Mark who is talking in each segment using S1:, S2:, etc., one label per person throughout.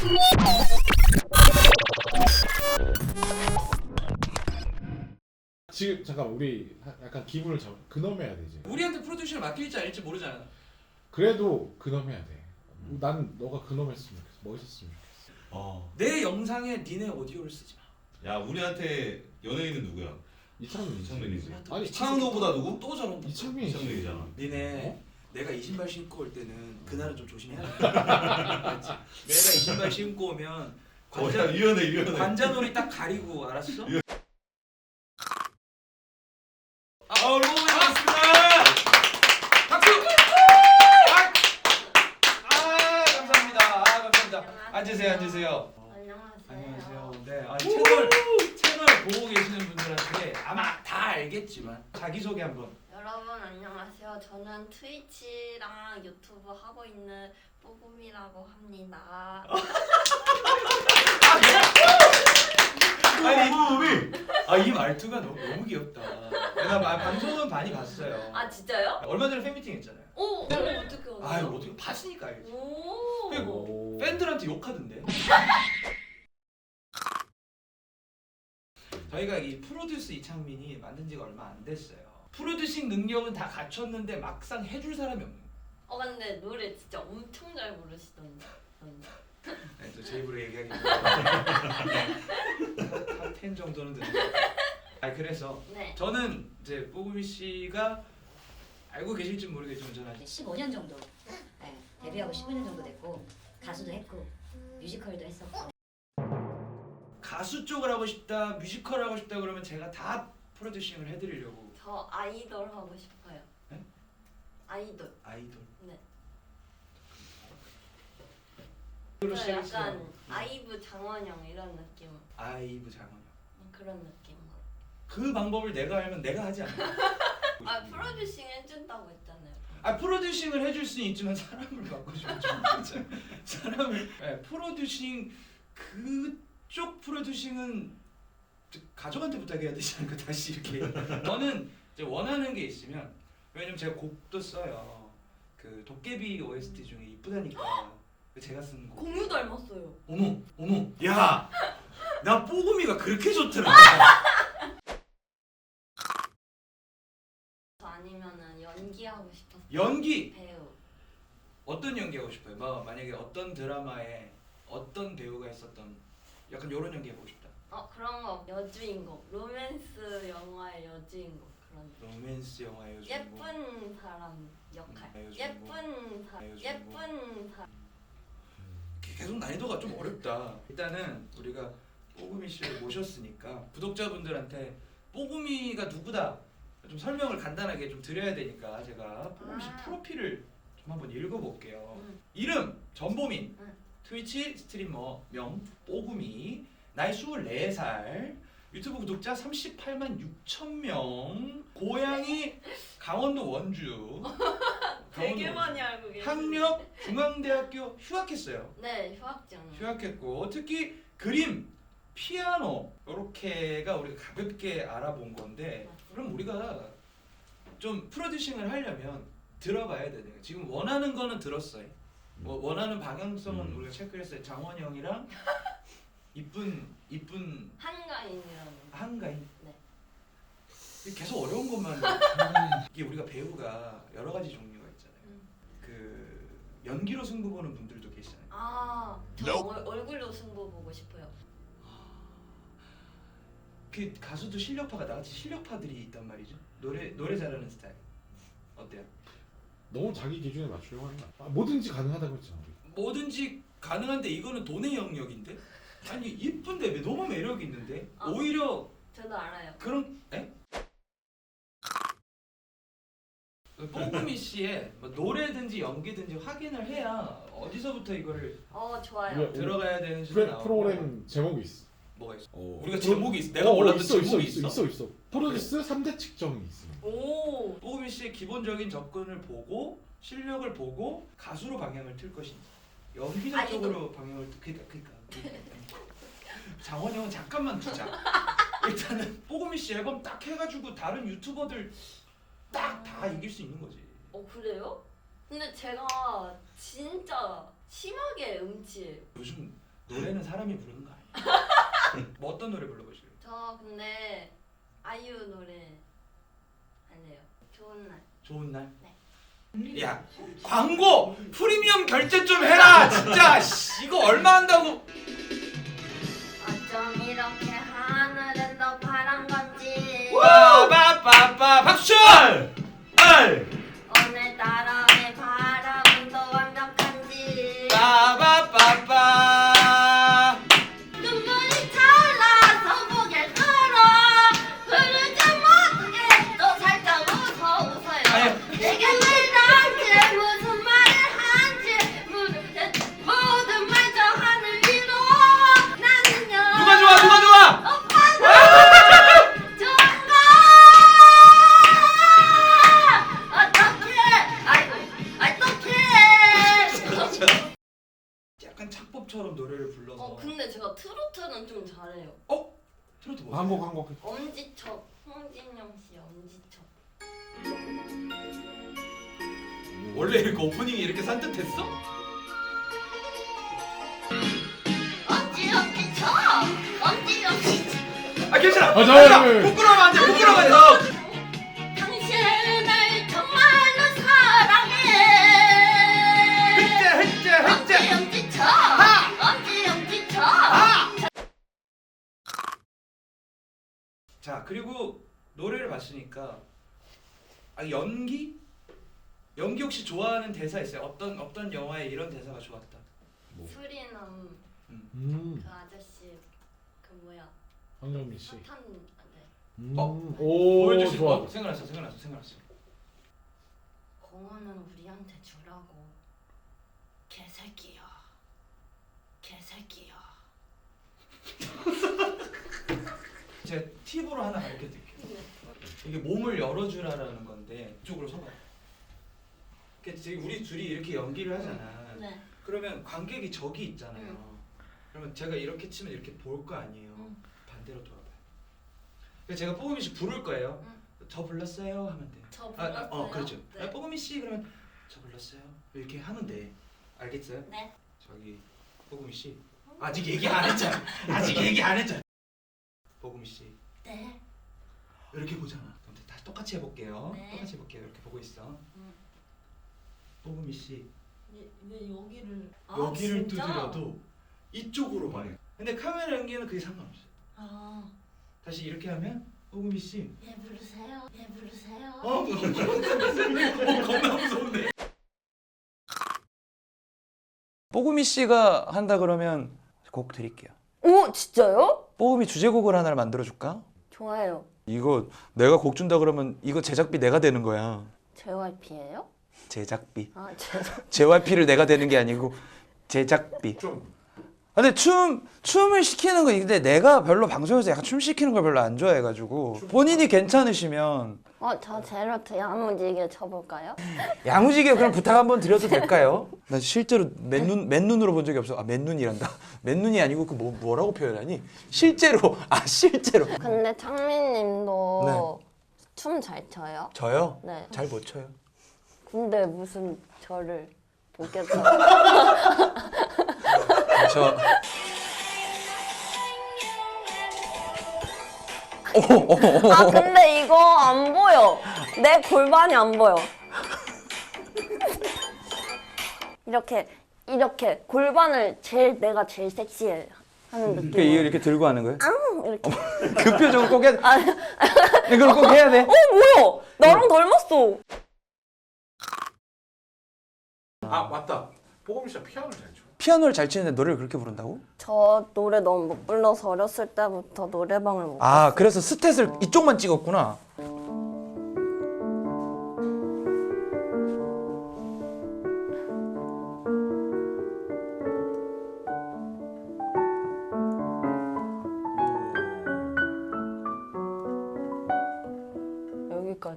S1: 지금 잠깐 우리 약간 기분을 근엄해야 되지.
S2: 우리한테 프로듀싱을 맡길지 아닐지 모르잖아.
S1: 그래도 근엄해야 돼. 난 너가 근엄했으면 좋겠어. 멋있었으면 좋겠어.
S2: 내 영상에 니네 오디오를 쓰지 마.
S3: 야 우리한테 연예인은 누구야?
S1: 이창민이지.
S3: 아니 창노보다 누구?
S2: 또 저런 거.
S3: 이창민이잖아.
S2: 니네 내가 이 신발 신고 올 때는 그날은 좀 조심해야 돼. 알았지? 내가 이 신발 신고 오면
S3: 유연해.
S2: 관자놀이 딱 가리고 알았어? 여러분 반갑습니다. 박수. 감사합니다. 감사합니다. 앉으세요. 안녕하세요. 네, 채널 보고 계시는 분들한테 아마 다 알겠지만 자기 소개 한번.
S4: 여러분 안녕하세요. 저는 트위치랑 유튜브 하고 있는 뽀금이라고 합니다.
S2: 아니 이 말투가 너무 귀엽다. 내가 방송은 많이 봤어요.
S4: 아 진짜요?
S2: 얼마 전에 팬미팅 했잖아요.
S4: 오, 어떻게 알았어요?
S2: 아유 어떻게 봤으니까 알지.
S4: 오.
S2: 그리고 팬들한테 욕하던데. 저희가 이 프로듀스 이창민이 만든 지가 얼마 안 됐어요. 프로듀싱 능력은 다 갖췄는데 막상 해줄 사람이 없는 거예요.
S4: 근데 노래 진짜 엄청 잘 부르시던데.
S2: 네, 또 제 입으로 얘기하기 탑10 정도는 듣는 그래서
S4: 네.
S2: 저는 이제 뽀금이 씨가 알고 계실지 모르겠지만 저는
S5: 15년 정도 네, 데뷔하고 15년 정도 됐고 가수도 했고 뮤지컬도 했었고
S2: 가수 쪽을 하고 싶다 뮤지컬 하고 싶다 그러면 제가 다 프로듀싱을 해드리려고.
S4: 저 아이돌 하고 싶어요.
S2: 네?
S4: 아이돌. 네. 저 약간 아이브 장원영 이런 느낌.
S2: 아이브 장원영
S4: 그런 느낌.
S2: 그 방법을 내가 알면 내가 하지 않나?
S4: 프로듀싱 해준다고 했잖아요.
S2: 프로듀싱을 해줄 수는 있지만 사람을 바꿔주면 좋겠죠. 사람을 프로듀싱 그쪽 프로듀싱은 가족한테 부탁해야 되지 않을까 다시 이렇게. 저는 이제 원하는 게 있으면 왜냐면 제가 곡도 써요. 그 도깨비 OST 중에 이쁘다니까 제가 쓴 곡.
S4: 공유 닮았어요.
S2: 어머 야 나 뽀금이가 그렇게 좋더라.
S4: 아니면은 연기하고 싶었어요.
S2: 연기
S4: 배우.
S2: 어떤 연기하고 싶어요? 뭐 만약에 어떤 드라마에 어떤 배우가 했었던 약간 요런 연기 해보고 싶다.
S4: 그런 거 여주인공. 로맨스 영화의 여주인공 그런.
S2: 로맨스 영화의 여주인공.
S4: 예쁜 사람 역할.
S2: 여주인공.
S4: 예쁜 사람.
S2: 계속 난이도가 좀 어렵다. 일단은 우리가 뽀금이 씨를 모셨으니까 구독자분들한테 뽀금이가 누구다 좀 설명을 간단하게 좀 드려야 되니까 제가 뽀금이 씨 프로필을 좀 한번 읽어볼게요. 이름 전보민, 트위치 스트리머 명 뽀금이, 나이 24살, 유튜브 구독자 38만 6천 명, 고향이 강원도 원주.
S4: 되게 많이 알고 계세요.
S2: 학력 중앙대학교 휴학했어요.
S4: 네, 휴학중.
S2: 휴학했고 특히 그림, 피아노 이렇게가 우리가 가볍게 알아본 건데 그럼 우리가 좀 프로듀싱을 하려면 들어봐야 되네요. 지금 원하는 거는 들었어요. 원하는 방향성은 우리가 체크했어요. 장원영이랑 이쁜
S4: 한가인이라는.
S2: 한가인.
S4: 네.
S2: 계속 어려운 것만. 이게 우리가 배우가 여러 가지 종류가 있잖아요. 그 연기로 승부 보는 분들도 계시잖아요.
S4: 저 얼굴로 승부 보고 싶어요.
S2: 그 가수도 실력파가 나같이 실력파들이 있단 말이죠. 노래 잘하는 스타일 어때요?
S1: 너무 자기 기준에 맞추려고 하는 거야. 뭐든지 가능하다고 했잖아. 우리.
S2: 뭐든지 가능한데 이거는 돈의 영역인데? 아니 이쁜데 왜 너무 매력 있는데? 오히려
S4: 저도 알아요.
S2: 그런 뽀금이 씨의 뭐 노래든지 연기든지 확인을 해야 어디서부터 이거를
S4: 좋아요.
S2: 들어가야 되는지
S1: 프로그램 제목이 있어.
S2: 뭐가 있어?
S1: 우리가
S2: 제목이 있어. 내가 몰랐던 제목이
S1: 있어. 프로듀스 3대 측정이 있어.
S4: 오.
S2: 뽀금이 씨의 기본적인 접근을 보고 실력을 보고 가수로 방향을 틀 것인지 연기자 쪽으로 방향을 그러니까 장원영은 잠깐만 두자. 일단은 뽀금이 씨 앨범 딱 해가지고 다른 유튜버들 딱 다 이길 수 있는 거지.
S4: 그래요? 근데 제가 진짜 심하게 음치예요.
S2: 요즘 노래는 사람이 부르는 거 아니야? 뭐 어떤 노래 불러보실래요?
S4: 저 근데 아이유 노래 할래요. 좋은 날.
S2: 좋은 날?
S4: 네.
S2: 야 광고 프리미엄 결제 좀 해라 진짜 씨, 이거 얼마 한다고?
S4: 어쩜 이렇게 하늘은 더 파란 건지.
S2: 빠빠빠빠 박수!
S4: 오늘따라 내 바람은 더 완벽한지.
S2: 빠빠빠빠
S4: 눈물이 차올라서 고개를 들어 흐르지 못하게 또 살짝 웃어요.
S2: 아니.
S4: 내게 왜 나한테 무슨 말을 한지 모든 말 저 하늘 위로 나는요.
S2: 누가 좋아 누가 좋아?
S4: 오빠가 좋은 거 어떡해. 어떡해.
S2: 약간 착법처럼 노래를 불러서
S4: 근데 제가 트로트는 좀 잘해요.
S2: 트로트 뭐?
S1: 한곡
S4: 엄지척, 홍진영 씨 엄지척.
S2: 원래 이렇게 오프닝이 이렇게 산뜻했어?
S4: 엄지척, 엄지척.
S2: 아 괜찮아.
S1: 아,
S2: 부끄러우면 안 돼. 부끄러우면 안 돼.
S4: 당신을 정말로 사랑해.
S2: 흑제.
S4: 엄지척, 엄지척.
S2: 자 그리고 노래를 봤으니까 연기 혹시 좋아하는 대사 있어요? 어떤 영화에 이런 대사가 좋았다.
S4: 수리남 그 아저씨 그 뭐야
S1: 황정민 씨.
S4: 사탄 네.
S1: 오,
S2: 보여줄 수
S1: 좋아.
S2: 있어? 생각났어.
S4: 공원은 우리한테 주라고. 개새끼야.
S2: 제가 팁으로 하나 가르쳐 드릴게요. 이게 몸을 열어주라라는 건데 이쪽으로 서봐. 지금 우리 둘이 이렇게 연기를 하잖아.
S4: 네.
S2: 그러면 관객이 저기 있잖아요. 그러면 제가 이렇게 치면 이렇게 볼 거 아니에요. 반대로 돌아봐요. 그래서 제가 뽀금이 씨 부를 거예요. 저 불렀어요 하면 돼요.
S4: 저 불렀어요?
S2: 그렇죠.
S4: 네.
S2: 뽀금이 씨 그러면 저 불렀어요 이렇게 하면 돼. 알겠어요?
S4: 네.
S2: 저기 뽀금이 씨 아직 얘기 안 했잖아. 뽀금이 씨
S4: 네.
S2: 이렇게 보잖아. 그럼 다 똑같이 해볼게요.
S4: 네.
S2: 똑같이 해볼게요. 이렇게 보고 있어. 뽀금이 씨
S4: 왜 여기를
S2: 여기를
S4: 진짜?
S2: 두드려도 이쪽으로 말해. 근데 카메라 연기는 그게 상관없어요. 다시 이렇게 하면 뽀금이 씨
S4: 얘 부르세요.
S2: 겁나 무서운데. 뽀금이 씨가 한다 그러면 곡 드릴게요.
S4: 오 진짜요?
S2: 뽀금이 주제곡을 하나를 만들어 줄까?
S4: 좋아요.
S2: 이거 내가 곡 준다 그러면 이거 제작비 내가 되는 거야.
S4: JYP예요?
S2: 제작비.
S4: 죄송.
S2: JYP를 내가 되는 게 아니고 제작비. 근데 춤을 시키는 거 근데 내가 별로 방송에서 약간 춤 시키는 걸 별로 안 좋아해가지고 본인이 괜찮으시면
S4: 저 제로트 야무지게 쳐볼까요?
S2: 야무지게 그럼 부탁 한번 드려도 될까요? 나 실제로 맨눈으로 본 적이 없어. 맨눈이란다. 맨눈이 아니고 그 뭐라고 표현하니? 실제로.
S4: 근데 창민님도
S2: 네.
S4: 춤 잘 춰요?
S2: 저요?
S4: 네.
S2: 잘 못 춰요.
S4: 근데 무슨 저를 보겠어?
S2: 저
S4: 근데 이거 안 보여. 내 골반이 안 보여. 이렇게 골반을 내가 제일 섹시해 하는 느낌.
S2: 이렇게 들고 하는 거예요?
S4: 이렇게.
S2: 그 표정을 꼭 해야 돼. 이걸 꼭 해야 돼.
S4: 뭐야? 나랑 닮았어.
S1: 아 맞다. 뽀금이 씨가 피아노를 잘 쳐.
S2: 피아노를 잘 치는데 노래를 그렇게 부른다고?
S4: 저 노래 너무 못 불러서 어렸을 때부터 노래방을 못
S2: 아 그래서 스탯을 이쪽만 찍었구나.
S4: 여기까지.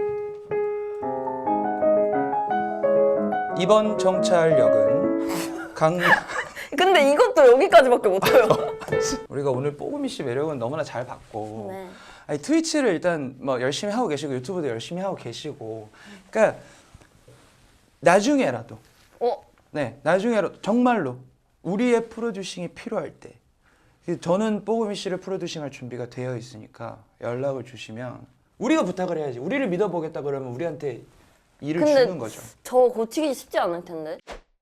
S2: 이번 정찰역은
S4: 근데 이것도 여기까지밖에 못해요.
S2: 우리가 오늘 뽀금이 씨 매력은 너무나 잘 봤고
S4: 네.
S2: 아니, 트위치를 일단 뭐 열심히 하고 계시고 유튜브도 열심히 하고 계시고 그러니까 나중에라도
S4: 어?
S2: 네 나중에라도 정말로 우리의 프로듀싱이 필요할 때 저는 뽀금이 씨를 프로듀싱할 준비가 되어 있으니까 연락을 주시면 우리가 부탁을 해야지. 우리를 믿어보겠다 그러면 우리한테 일을
S4: 근데
S2: 주는 거죠.
S4: 저 고치기 쉽지 않을 텐데.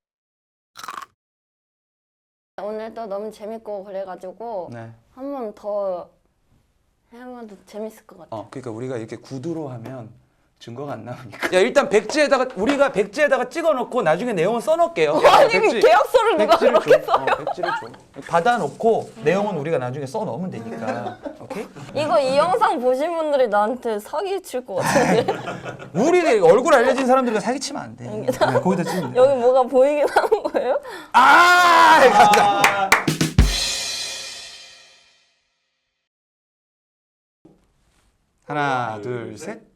S4: 오늘도 너무 재밌고 그래가지고
S2: 네.
S4: 한 번 더 하면 더 재밌을 것 같아.
S2: 그러니까 우리가 이렇게 구두로 하면 증거가 안 나오니까. 야 일단 우리가 백지에다가 찍어놓고 나중에 내용을 써놓을게요.
S4: 아니 계약서를 누가 그렇게 써?
S2: 백지를 줘. 받아놓고 내용은 우리가 나중에 써놓으면 되니까. 오케이?
S4: 이거 이 영상 보신 분들이 나한테 사기 칠 것 같은데.
S2: 우리 얼굴 알려진 사람들과 사기치면 안 돼. 네, 거기다 찍으면 돼.
S4: 여기 뭐가 보이긴 하는 거예요?
S2: 아! 하나, 둘, 셋.